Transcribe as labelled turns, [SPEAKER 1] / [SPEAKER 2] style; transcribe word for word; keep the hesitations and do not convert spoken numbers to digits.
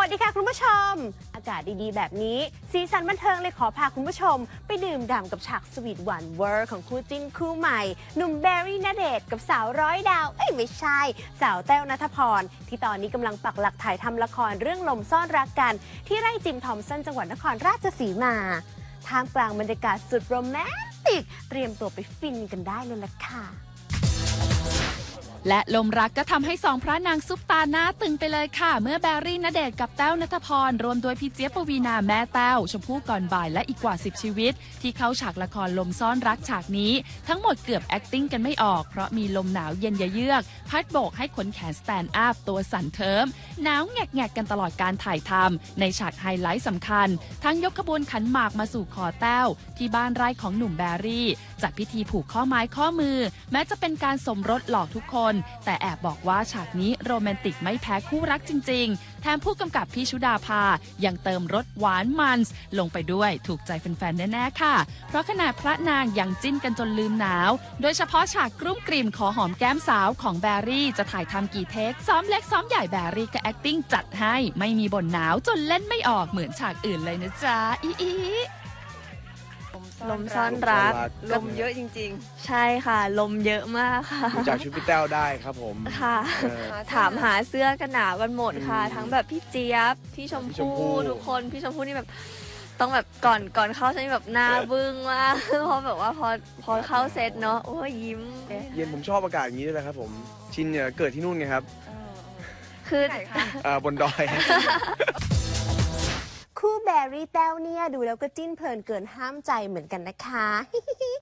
[SPEAKER 1] สดีค่ะคุณผู้ชมอากาศดีๆแบบนี้สีสันบันเทิงเลยขอพาคุณผู้ชมไปดื่มด่ำกับฉากสวีทหวานเวอร์ของคู่จิ้นคู่ใหม่หนุ่มแบร์รี่ณเดชน์กับสาวร้อยดาวเอ้ยไม่ใช่สาวแต้วณัฐพรที่ตอนนี้กำลังปักหลักถ่ายทำละครเรื่องลมซ่อนรักกันที่ไร่จิมทอมสันจังหวัดนครราชสีมาท่ามกลางบรรยากาศสุดโรแมนติกเตรียมตัวไปฟินกันได้เลยล่ะค่ะ
[SPEAKER 2] และลมรักก็ทำให้สองพระนางซุปตาหน้าตึงไปเลยค่ะเมื่อแบรี่ณเดชน์กับแต้วณัฐพรรวมโดยพี่เจี๊ยบปวีณาแม่แต้วชมพู่ก่อนบ่ายและอีกกว่าสิบชีวิตที่เข้าฉากละครลมซ่อนรักฉากนี้ทั้งหมดเกือบ acting กันไม่ออกเพราะมีลมหนาวเย็นเยือกพัดโบกให้ขนแขนสแตนด์อัพตัวสั่นเทิมหนาวแงกๆกันตลอดการถ่ายทำในฉากไฮไลท์สำคัญทั้งยกขบวนขันหมากมาสู่ขอแต้วที่บ้านไร่ของหนุ่มแบรี่จัดพิธีผูกข้อไม้ข้อมือแม้จะเป็นการสมรสหลอกทุกคนแต่แอบบอกว่าฉากนี้โรแมนติกไม่แพ้คู่รักจริงๆแถมผู้กำกับพี่ชุดาภายังเติมรสหวานมันลงไปด้วยถูกใจแฟนๆแน่ๆค่ะเพราะขนาดพระนางยังจิ้นกันจนลืมหนาวโดยเฉพาะฉากกลุ้มกลิ่มขอหอมแก้มสาวของแบรี่จะถ่ายทำกี่เทคซ้อมเล็กซ้อมใหญ่แบรี่ก็ acting จัดให้ไม่มีบ่นหนาวจนเล่นไม่ออกเหมือนฉากอื่นเลยนะจ๊ะอีอี
[SPEAKER 3] ลมซ่อนรัก
[SPEAKER 4] ลมเยอะจริง
[SPEAKER 3] ๆ ใช่ค่ะ ลมเยอะมากค่ะ
[SPEAKER 4] ๆ จากชุดพี่แต้วได้ครับผม
[SPEAKER 3] ค่ะ
[SPEAKER 4] เออ
[SPEAKER 3] ถามหาเสื้อกันหนาวกันหมดค่ะ
[SPEAKER 4] อืม
[SPEAKER 3] ทั้งแบบพี่เจี๊ยบ พี่ชม
[SPEAKER 4] พี่ชมพู่
[SPEAKER 3] พู่ทุกคน พี่ชมพู่นี่แบบต้องแบบก่อนก่อนเข้าฉันแบบหน้าบึ้งมาก เพราะแบบว่าพอพอเข้าเซตเนาะ โอ้ยยิ้ม
[SPEAKER 4] เย็นผมชอบอากาศอย่างนี้ด้วยแหละครับผม ชินเนี่ยเกิดที่นู่นไงครับ
[SPEAKER 3] คือ
[SPEAKER 4] เอ่อบนดอย
[SPEAKER 1] คู่แบร์รี่แต้วเนี่ยดูแล้วก็จิ้นเพลินเกินห้ามใจเหมือนกันนะคะ